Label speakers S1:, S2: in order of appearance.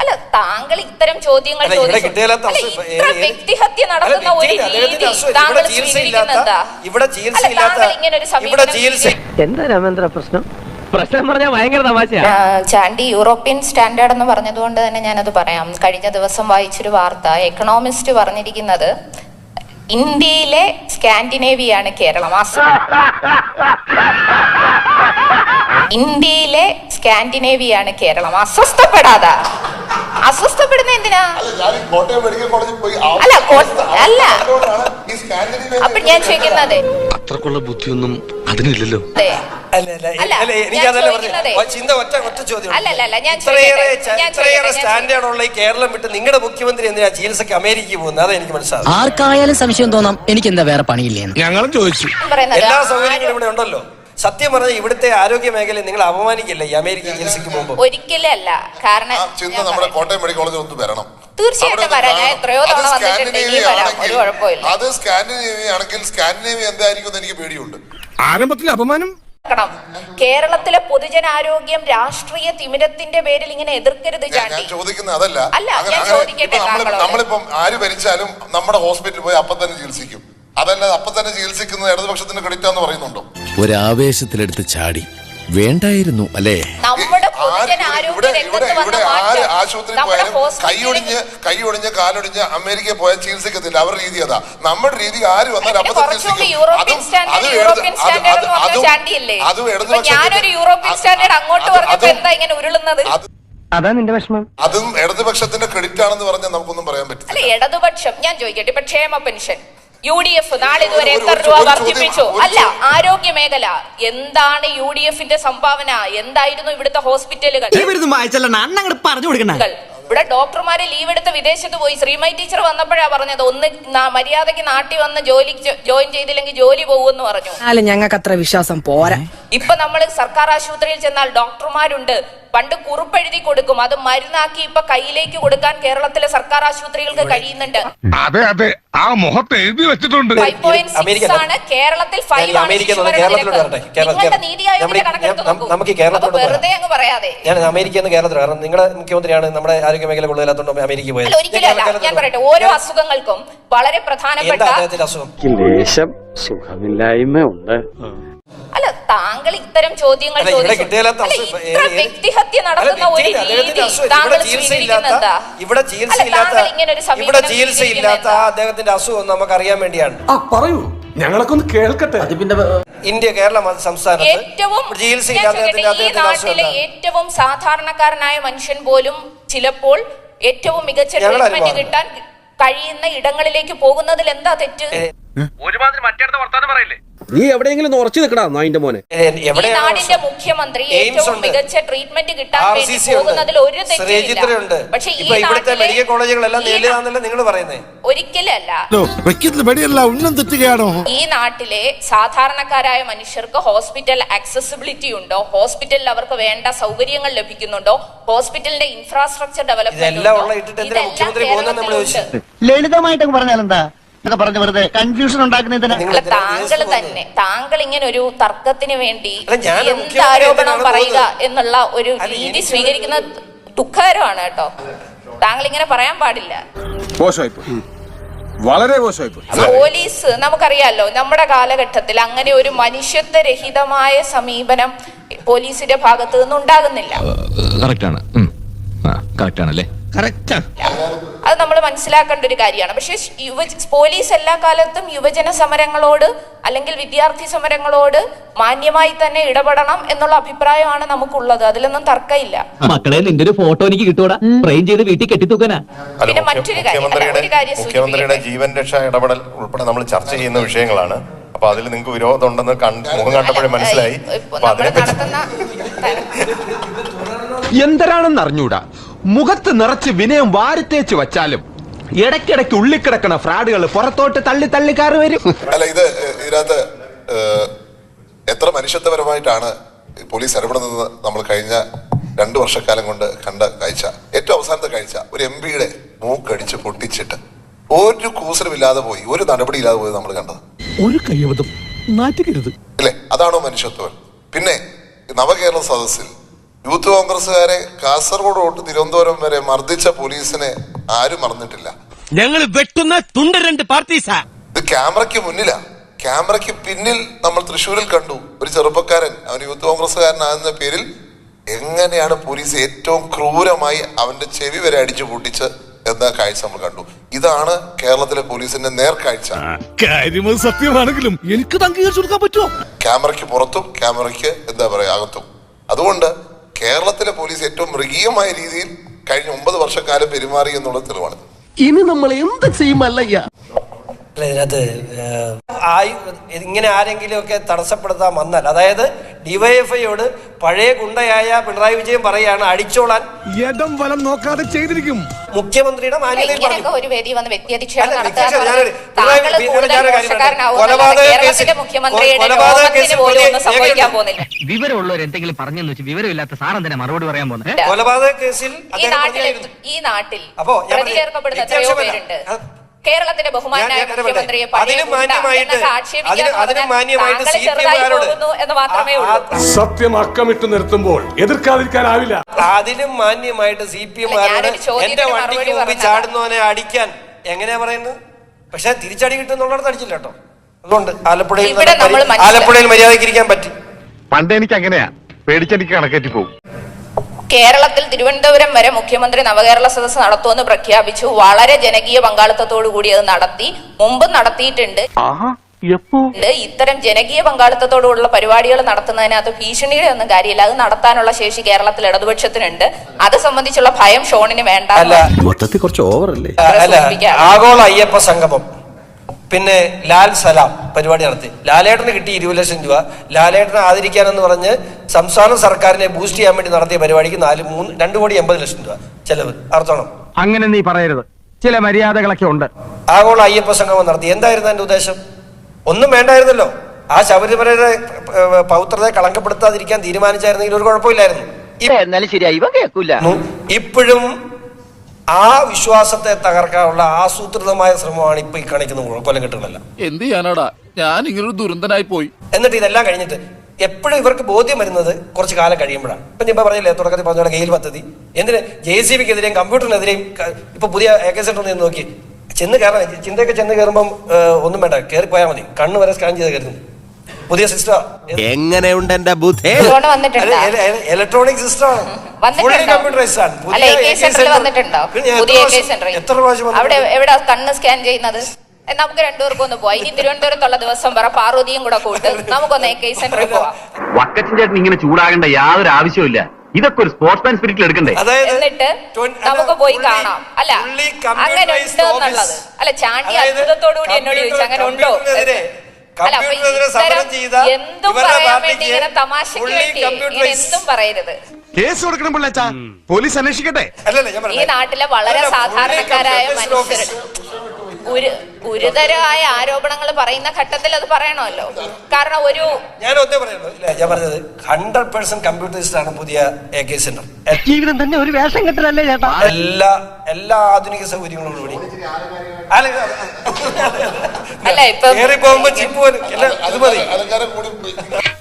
S1: അല്ല, താങ്കൾ ഇത്തരം ചോദ്യങ്ങൾ വ്യക്തിഹത്യ നടത്തുന്ന ഒരു രീതി താങ്കൾ സ്വീകരിക്കുന്നത്
S2: എന്താ രാമേന്ദ്ര പ്രശ്നം? പ്രശ്നം പറഞ്ഞാൽ ഭയങ്കര തമാശയാ.
S1: ചാണ്ടി യൂറോപ്യൻ സ്റ്റാൻഡേർഡ് എന്ന് പറഞ്ഞതുകൊണ്ട് തന്നെ ഞാനത് പറയാം. കഴിഞ്ഞ ദിവസം വായിച്ചൊരു വാർത്ത, എക്കണോമിസ്റ്റ് പറഞ്ഞിരിക്കുന്നത് ഇന്ത്യയിലെ സ്കാൻഡിനേവിയാണ് കേരളം. ഇന്ത്യയിലെ സ്കാൻഡിനേവിയാണ് കേരളം. അസ്വസ്ഥപ്പെടുന്ന എന്തിനാ? അല്ല, അപ്പൊ ഞാൻ ചോദിക്കുന്നത്
S3: അത്രക്കുള്ള ബുദ്ധിയൊന്നും അതിനില്ലല്ലോ.
S4: കേരളം വിട്ട് നിങ്ങളുടെ മുഖ്യമന്ത്രി എന്തിനാ ചികിത്സക്ക് അമേരിക്കയിൽ പോകുന്നത്? അതെ എനിക്ക് മനസ്സിലാവും.
S5: ആർക്കായാലും സംശയം തോന്നാം എനിക്ക് എന്താ വേറെ പണിയില്ലേന്ന്.
S3: ഞങ്ങളും ചോദിച്ചു.
S4: എല്ലാ സൗകര്യങ്ങളും ഇവിടെ ഉണ്ടല്ലോ. സത്യം പറഞ്ഞാൽ ഇവിടുത്തെ ആരോഗ്യ മേഖലയെ നിങ്ങൾ അപമാനിക്കില്ല ഈ അമേരിക്കൻ ചികിത്സയ്ക്ക് പോകുമ്പോൾ?
S1: ഒരിക്കലും അല്ല. കാരണം
S6: നമ്മുടെ കോട്ടയം മെഡിക്കൽ കോളേജിൽ ഒന്ന് വരണം.
S1: തീർച്ചയായിട്ടും വരാം. ഞാൻ എത്രയോ തവണ വന്നിട്ടുണ്ട്. ഇനി വരാം, ഒരു കുഴപ്പമില്ല.
S6: അത് സ്കാൻഡിനേവിയ ആണെങ്കിൽ സ്കാൻഡിനേവിയ എന്തായിരിക്കും എനിക്ക് പേടിയുണ്ട്.
S3: ആരംഭത്തിൽ അപമാനം.
S1: കേരളത്തിലെ പൊതുജനാരോഗ്യം രാഷ്ട്രീയ തിമിരത്തിന്റെ പേരിൽ ഇങ്ങനെ എതിർക്കരുത്.
S6: ഞാൻ ചോദിക്കുന്നത് അതല്ല.
S1: ഞാൻ ചോദിക്കട്ടെ,
S6: നമ്മളിപ്പം ആര് ഭരിച്ചാലും നമ്മുടെ ഹോസ്പിറ്റലിൽ പോയി അപ്പം തന്നെ ചികിത്സിക്കും. അതല്ലാതെ അപ്പം തന്നെ ചികിത്സിക്കുന്നത് ഇടതുപക്ഷത്തിന്റെ ക്രെഡിറ്റ് എന്ന് പറയുന്നുണ്ടോ?
S3: ഒരാവേശത്തിലെടുത്ത് ചാടി വേണ്ടായിരുന്നു അല്ലേ?
S1: നമ്മുടെ പൊതുജനാരോഗ്യ
S6: ആശുപത്രി പോയാലും കൈയൊടിഞ്ഞ് കാലൊടിഞ്ഞ് അമേരിക്കയിൽ പോയാൽ ചികിത്സിക്കത്തില്ല. അവരുടെ രീതി അതാ. നമ്മുടെ രീതി ആര് വന്നാൽ അപ്പം തന്നെ ചികിത്സിക്കും.
S2: അതാ നിന്റെ വിഷമം.
S6: അതും ഇടതുപക്ഷത്തിന്റെ ക്രെഡിറ്റ് ആണെന്ന് പറഞ്ഞാൽ നമുക്കൊന്നും പറയാൻ പറ്റില്ല.
S1: അല്ല, ഇടതുപക്ഷം ഞാൻ ചോദിക്കട്ടെ, ഇപ്പൊ ക്ഷേമ പെൻഷൻ UDF നാളെ ഇതുവരെ എത്ര രൂപ വർദ്ധിപ്പിച്ചു? അല്ല, ആരോഗ്യ മേഖല എന്താണ് UDFന്റെ സംഭാവന? എന്തായിരുന്നു ഇവിടുത്തെ ഹോസ്പിറ്റലുകൾ? ഇവിടെ ഡോക്ടർമാരെ ലീവ് എടുത്ത് വിദേശത്ത് പോയി. ശ്രീമതി ടീച്ചർ വന്നപ്പോഴാ പറഞ്ഞത്, ഒന്ന് മര്യാദയ്ക്ക് നാട്ടിൽ വന്ന് ജോലിക്ക് ജോയിൻ ചെയ്തില്ലെങ്കിൽ ജോലി പോകുമെന്ന് പറഞ്ഞു.
S5: ഞങ്ങൾക്ക് അത്ര വിശ്വാസം പോരാ.
S1: ഇപ്പൊ നമ്മൾ സർക്കാർ ആശുപത്രിയിൽ ചെന്നാൽ ഡോക്ടർമാരുണ്ട്. പണ്ട് കുറിപ്പെഴുതി കൊടുക്കും, അത് മരുന്നാക്കി ഇപ്പൊ കയ്യിലേക്ക് കൊടുക്കാൻ കേരളത്തിലെ സർക്കാർ ആശുപത്രികൾക്ക് കഴിയുന്നുണ്ട്.
S3: അതെ അതെ, ആ മുഖത്ത് എഴുതി വെച്ചിട്ടുണ്ട്.
S1: 5.6 ആണ് കേരളത്തിൽ. 5 ആണ് നിങ്ങളുടെ നീതി ആയോഗിന്റെ കണക്കെടുത്ത് നോക്കൂ. വെറുതെ അങ്ങ് പറയാതെ.
S4: ഞാൻ അമേരിക്കയിൽ നിന്ന് കേരളത്തിൽ, കാരണം നിങ്ങളുടെ മുഖ്യമന്ത്രിയാണ് നമ്മുടെ ആരോഗ്യ മേഖല കൂടുതലാത്തോണ്ട് അമേരിക്കയിൽ പോയത്.
S1: ഒരിക്കലും അല്ല. ഞാൻ പറയട്ടെ, ഓരോ അസുഖങ്ങൾക്കും വളരെ പ്രധാനപ്പെട്ട
S2: സുഖമില്ലായ്മ ഉണ്ട്.
S1: അല്ല, താങ്കൾ ഇത്തരം ചോദ്യങ്ങൾ വ്യക്തിഹത്യ നടത്തുന്ന ഒരു രീതി താങ്കൾ സ്വീകരിക്കുന്നത്
S4: ഇവിടെ ചികിത്സയില്ലാത്ത അദ്ദേഹത്തിന്റെ അസുഖം നമുക്ക് അറിയാൻ വേണ്ടിയാണ്.
S3: പറയൂ, ഞങ്ങളൊക്കെ ഒന്ന് കേൾക്കട്ടെ.
S4: ഇന്ത്യ കേരളം സംസ്ഥാനത്ത്
S1: ഈ നാട്ടിലെ ഏറ്റവും സാധാരണക്കാരനായ മനുഷ്യൻ പോലും ചിലപ്പോൾ ഏറ്റവും മികച്ച ട്രീറ്റ്മെന്റ് കിട്ടാൻ കഴിയുന്ന ഇടങ്ങളിലേക്ക് പോകുന്നതിൽ എന്താ തെറ്റ്?
S7: ഒരുമാതിരി മറ്റേടത്ത് വർത്താനം പറയില്ലേ?
S8: നീ എവിടെയെങ്കിലും ഉറച്ചു നിൽക്കടാ നായിന്റെ മോനെ.
S1: നാടിന്റെ മുഖ്യമന്ത്രി ഏറ്റവും മികച്ച ട്രീറ്റ്മെന്റ് കിട്ടാൻ വേണ്ടി പോകുന്നതിൽ ഒരു തെറ്റില്ല. പക്ഷേ
S4: ഇവിടുത്തെ മെഡിക്കൽ കോളേജുകളെല്ലാം നിങ്ങൾ പറയുന്നത്
S1: ഒരിക്കലല്ല. ഈ നാട്ടിലെ സാധാരണക്കാരായ മനുഷ്യർക്ക് ഹോസ്പിറ്റൽ ആക്സസിബിലിറ്റി ഉണ്ടോ? ഹോസ്പിറ്റലിൽ അവർക്ക് വേണ്ട സൗകര്യങ്ങൾ ലഭിക്കുന്നുണ്ടോ? ഹോസ്പിറ്റലിന്റെ ഇൻഫ്രാസ്ട്രക്ചർ ഡെവലപ്മെന്റ്
S2: ലളിതമായിട്ട് പറഞ്ഞാലെന്താ കൺഫ്യൂഷൻ ഉണ്ടാക്കുന്നതിന്
S1: താങ്കൾ ഇങ്ങനെ ഒരു തർക്കത്തിന് വേണ്ടി എന്ത് ആരോപണം പറയുക എന്നുള്ള ഒരു രീതി സ്വീകരിക്കുന്നത് ദുഃഖകരമാണ് കേട്ടോ. താങ്കൾ ഇങ്ങനെ പറയാൻ പാടില്ല.
S3: വളരെ മോശമായി.
S1: പോലീസ് നമുക്കറിയാലോ, നമ്മുടെ കാലഘട്ടത്തിൽ അങ്ങനെ ഒരു മനുഷ്യത്വരഹിതമായ സമീപനം പോലീസിന്റെ ഭാഗത്ത് നിന്ന് ഉണ്ടാകുന്നില്ല. അത് നമ്മൾ മനസ്സിലാക്കേണ്ട ഒരു കാര്യമാണ്. പക്ഷെ പോലീസ് എല്ലാ കാലത്തും യുവജന സമരങ്ങളോട് അല്ലെങ്കിൽ വിദ്യാർത്ഥി സമരങ്ങളോട് മാന്യമായി തന്നെ ഇടപെടണം എന്നുള്ള അഭിപ്രായമാണ് നമുക്കുള്ളത്. അതിലൊന്നും തർക്കമില്ല.
S5: മക്കളെ, നിന്റെ ഒരു ഫോട്ടോ എനിക്ക് കിട്ടൂടാ, ഫ്രെയിം ചെയ്ത് വീട്ടിൽ കെട്ടിത്തൂക്കാനാ.
S1: പിന്നെ മറ്റൊരു കാര്യം,
S6: മുഖ്യമന്ത്രിയുടെ ജീവൻ രക്ഷാ ഇടപെടൽ ഉൾപ്പെടെ നമ്മൾ ചർച്ച ചെയ്യുന്ന വിഷയങ്ങളാണ്. അപ്പൊ അതിൽ നിങ്ങൾക്ക് വിരോധം ഉണ്ടെന്ന് മുഖം കണ്ടപ്പോഴേ മനസ്സിലായി.
S8: എന്തരാണെന്ന് അറിഞ്ഞൂടാ, മുഖത്ത് നിറച്ച് വിനയം വാരിത്തേച്ച് വച്ചാലും ഇടയ്ക്കിടയ്ക്ക് ഉള്ളിക്കിടക്കണ ഫ്രാഡുകൾ പുറത്തോട്ട് തള്ളി തള്ളിക്കാറ് വരും.
S6: അല്ല, ഇതിനകത്ത് എത്ര മനുഷ്യത്വപരമായിട്ടാണ് പോലീസ് ഇടപെടുന്നത് നമ്മൾ കഴിഞ്ഞ 2 വർഷക്കാലം കൊണ്ട് കണ്ട കാഴ്ച. ഏറ്റവും അവസാനത്തെ കാഴ്ച, ഒരു MP-യുടെ മൂക്കടിച്ച് പൊട്ടിച്ചിട്ട് ഒരു കൂസലുമില്ലാതെ പോയി, ഒരു നടപടിയില്ലാതെ പോയി നമ്മൾ കണ്ടത്.
S3: ഒരു കയ്യബദ്ധം നാറ്റിക്കരുത്
S6: അല്ലേ? അതാണോ മനുഷ്യത്വം? പിന്നെ നവകേരള സദസ്സിൽ യൂത്ത് കോൺഗ്രസ്സുകാരെ കാസർഗോഡ് തൊട്ട് തിരുവനന്തപുരം വരെ മർദ്ദിച്ച പോലീസിനെ ആരും മറന്നിട്ടില്ല.
S2: ഞങ്ങൾ വെട്ടുന്ന തുണ്ട രണ്ട് പാർട്ടീസാ.
S6: ഇത് ക്യാമറയ്ക്ക് മുന്നിലാ. ക്യാമറയ്ക്ക് പിന്നിൽ നമ്മൾ തൃശ്ശൂരിൽ കണ്ടു ഒരു ചെറുപ്പക്കാരൻ, അവൻ യൂത്ത് കോൺഗ്രസ്സുകാരനാകുന്ന പേരിൽ എങ്ങനെയാണ് പോലീസ് ഏറ്റവും ക്രൂരമായി അവന്റെ ചെവി വരെ അടിച്ചു പൊട്ടിച്ച് എന്ന കാഴ്ച നമ്മൾ കണ്ടു. ഇതാണ് കേരളത്തിലെ പോലീസിന്റെ നേർക്കാഴ്ച.
S3: കാര്യം സത്യമാണെങ്കിലും എനിക്ക് അംഗീകരിച്ചു കൊടുക്കാൻ പറ്റുമോ?
S6: ക്യാമറയ്ക്ക് പുറത്തും ക്യാമറയ്ക്ക് എന്താ പറയാ അകത്തും. അതുകൊണ്ട് കേരളത്തിലെ പോലീസ് ഏറ്റവും മൃഗീയമായ രീതിയിൽ കഴിഞ്ഞ 9 വർഷക്കാലം പെരുമാറി എന്നുള്ള തെളിവാണ്.
S2: ഇനി നമ്മൾ എന്ത് ചെയ്യുമല്ലയ്യ?
S4: ഇതിനകത്ത് ഇങ്ങനെ ആരെങ്കിലും ഒക്കെ തടസ്സപ്പെടുത്താൻ വന്നാൽ, അതായത് ഡിവൈഎഫ്ഐയോട് പഴയ ഗുണ്ടയായ പിണറായി വിജയൻ പറയാണ് അടിച്ചോളാൻ
S3: ഇടം വലം നോക്കാതെ ചെയ്തിരിക്കും.
S4: മുഖ്യമന്ത്രിയുടെ മാന്യതയിൽ പറഞ്ഞു.
S1: ഒരു വേദി വന്ന് വ്യക്തിയധിക്ഷേപം
S4: അല്ല,
S1: നടത്തുക
S4: വ്യക്തിയധിക്ഷേപം
S1: എന്നുള്ളത്
S4: ഞാനൊരു-
S1: താങ്കൾ കൂടുതൽ മോശക്കാരനാവുക എന്നല്ലാതെ കേരളത്തിലെ മുഖ്യമന്ത്രിയുടെ രോമത്തിന് പോലും ഒന്നും സംഭവിക്കാൻ പോകുന്നില്ല.
S5: വിവരമുള്ളവർ എന്തെങ്കിലും പറഞ്ഞെന്ന് വെച്ച് വിവരമില്ലാത്ത സാറെന്തിനാ മറുപടി പറയാൻ പോകുന്നത്?
S4: കൊലപാതക കേസിൽ
S1: ഈ നാട്ടിൽ
S4: അപ്പോ ഞാൻ
S1: പ്രതി ചേർക്കപ്പെടുന്ന എത്രയോ
S4: വ്യത്യാസമല്ല.
S1: പേരുണ്ട്. കേരളത്തിന്റെ ബഹുമാനായ
S4: ഞാൻ
S1: മുഖ്യമന്ത്രിയെ
S4: അതിനും മാന്യമായിട്ട്
S1: എന്ന് മാത്രമേ ഉള്ളൂ.
S3: സത്യം അക്കമിട്ട് നിർത്തുമ്പോൾ എതിർക്കാതിരിക്കാനാവില്ല.
S4: അതിലും മാന്യമായിട്ട് CPM എന്റെ വണ്ടിക്ക് മുമ്പിൽ ചാടുന്നവനെ അടിക്കാൻ എങ്ങനെയാ പറയുന്നത്? പക്ഷെ തിരിച്ചടി കിട്ടുന്നുള്ളത് അടിച്ചില്ല കേട്ടോ. അതുകൊണ്ട് ആലപ്പുഴയിൽ മര്യാദയ്ക്ക് ഇരിക്കാൻ പറ്റി.
S7: പണ്ട് എനിക്ക് അങ്ങനെയാ, പേടിച്ചെനിക്ക് കണക്കേറ്റി പോകും.
S1: കേരളത്തിൽ തിരുവനന്തപുരം വരെ മുഖ്യമന്ത്രി നവകേരള സദസ്സ് നടത്തുമെന്ന് പ്രഖ്യാപിച്ചു. വളരെ ജനകീയ പങ്കാളിത്തത്തോടു കൂടി അത് നടത്തി, മുമ്പ് നടത്തിയിട്ടുണ്ട്. ഇത്തരം ജനകീയ പങ്കാളിത്തത്തോടുള്ള പരിപാടികൾ നടത്തുന്നതിനകത്ത് ഭീഷണിയുടെ ഒന്നും കാര്യമില്ല. അത് നടത്താനുള്ള ശേഷി കേരളത്തിൽ ഇടതുപക്ഷത്തിനുണ്ട്. അത് സംബന്ധിച്ചുള്ള ഭയം ഷോണിന് വേണ്ട.
S8: മൊത്തത്തിൽ കുറച്ച് ഓവറല്ലേ?
S4: ആഗോള അയ്യപ്പ സംഗമം, പിന്നെ ലാൽ സലാം പരിപാടി നടത്തി. ലാലേട്ടന് കിട്ടി 20 ലക്ഷം രൂപ. ലാലേട്ടനെ ആദരിക്കാനെന്ന് പറഞ്ഞ് സംസ്ഥാന സർക്കാരിനെ ബൂസ്റ്റ് ചെയ്യാൻ വേണ്ടി നടത്തിയ പരിപാടിക്ക് 2,80,00,000 രൂപ ചെലവ്. അർത്ഥണം
S8: അങ്ങനെ നീ പറയരുത്, ചില മര്യാദകളൊക്കെ ഉണ്ട്.
S4: ആഗോള അയ്യപ്പ സംഗമം നടത്തി. എന്തായിരുന്നു എന്റെ ഉദ്ദേശം? ഒന്നും വേണ്ടായിരുന്നല്ലോ. ആ ശബരിമലയുടെ പൗത്രതയെ കളങ്കപ്പെടുത്താതിരിക്കാൻ തീരുമാനിച്ചായിരുന്നെങ്കിൽ ഒരു കുഴപ്പമില്ലായിരുന്നു.
S2: എന്നാലും ശരിയായി ഇവ കേൾക്കൂല.
S4: ഇപ്പോഴും ആ വിശ്വാസത്തെ തകർക്കാനുള്ള ആസൂത്രിതമായ ശ്രമമാണ് ഇപ്പൊ ഈ കാണിക്കുന്ന കൊലക്കെട്ടുകളല്ല.
S3: എന്ത് ചെയ്യാനാടാ, ഞാൻ ഇങ്ങനൊരു ദുരന്തനായി പോയി.
S4: എന്നിട്ട് ഇതെല്ലാം കഴിഞ്ഞിട്ട് എപ്പോഴും ഇവർക്ക് ബോധ്യം വരുന്നത് കുറച്ച് കാലം കഴിയുമ്പോഴാണ്. ഇപ്പൊ ഞാൻ പറഞ്ഞില്ലേ തുടക്കത്തിൽ പറഞ്ഞ ഗെയിൽ പദ്ധതി, എന്തിന് JCBക്കെതിരെയും കമ്പ്യൂട്ടറിനെതിരെയും ഇപ്പൊ പുതിയ AK സെന്റർ നിന്ന് നോക്കി ചെന്ന് കയറാൻ ചിന്തയൊക്കെ ചെന്ന് കയറുമ്പോൾ ഒന്നും വേണ്ട, കയറി പോയാൽ മതി. കണ്ണ് വരെ സ്കാൻ ചെയ്ത് കയറുന്നു. പുതിയ സിസ്റ്റം
S8: എങ്ങനെയുണ്ട് എന്റെ ബുദ്ധി?
S4: ഇലക്ട്രോണിക് സിസ്റ്റം ആണ്, കമ്പ്യൂട്ടറൈസ്ഡ് ആണ്. എത്ര പ്രാവശ്യം
S1: അവിടെ എവിടെ കണ്ണ് സ്കാൻ ചെയ്യുന്നത്? നമുക്ക് രണ്ടുപേർക്കും ഒന്ന് പോവാം. ഇനി തിരുവനന്തപുരത്തുള്ള ദിവസം പറ, പാർവതിയും കൂടെ കൂട്ട് നമുക്കൊന്ന് AK സെന്ററിൽ പോവാം.
S5: വക്കച്ചൻ ചേട്ടൻ ഇങ്ങനെ ചൂടാകേണ്ട യാതൊരു ആവശ്യമില്ല. ഇതൊക്കെ ഒരു സ്പോർട്സ്മാൻ സ്പിരിറ്റിൽ എടുക്കണ്ടേ?
S1: എന്നിട്ട് നമുക്ക് പോയി കാണാം. അല്ല അങ്ങനെ ഉണ്ട് എന്നുള്ളത് അല്ല. ചാണ്ടി അത്ഭുതത്തോടു കൂടി എന്നോട് ചോദിച്ചു അങ്ങനെ ഉണ്ടോ? അല്ല, അപ്പൊ ഇത്തരം എന്തും പറയാൻ വേണ്ടി ഇങ്ങനെ തമാശക്ക് വേണ്ടി ഇങ്ങനെ എന്തും പറയരുത്.
S8: കേസ് കൊടുക്കണം പിള്ളേച്ചാ, പോലീസ് അന്വേഷിക്കട്ടെ.
S1: ഈ നാട്ടിലെ വളരെ സാധാരണക്കാരായ മനുഷ്യർ ഗുരുതരമായ ആരോപണങ്ങൾ പറയുന്ന ഘട്ടത്തിൽ അത് പറയണമല്ലോ. കാരണം
S4: ഞാൻ ഒന്നേ പറയുള്ളൂ, ഞാൻ പറഞ്ഞത് 100% കമ്പ്യൂട്ടറൈസ്ഡ് ആണ് പുതിയ AK സെന്റർ.
S2: ജീവിതം തന്നെ ഒരു വേഷം കെട്ടലല്ലേ ചേട്ടാ?
S4: എല്ലാ ആധുനിക സൗകര്യങ്ങളോടും കൂടി.
S1: അല്ല ഇപ്പൊ
S4: കയറി പോകുമ്പോ ചിപ്പ് പോലും അത് മതി.
S6: അലങ്കാരം കൂടി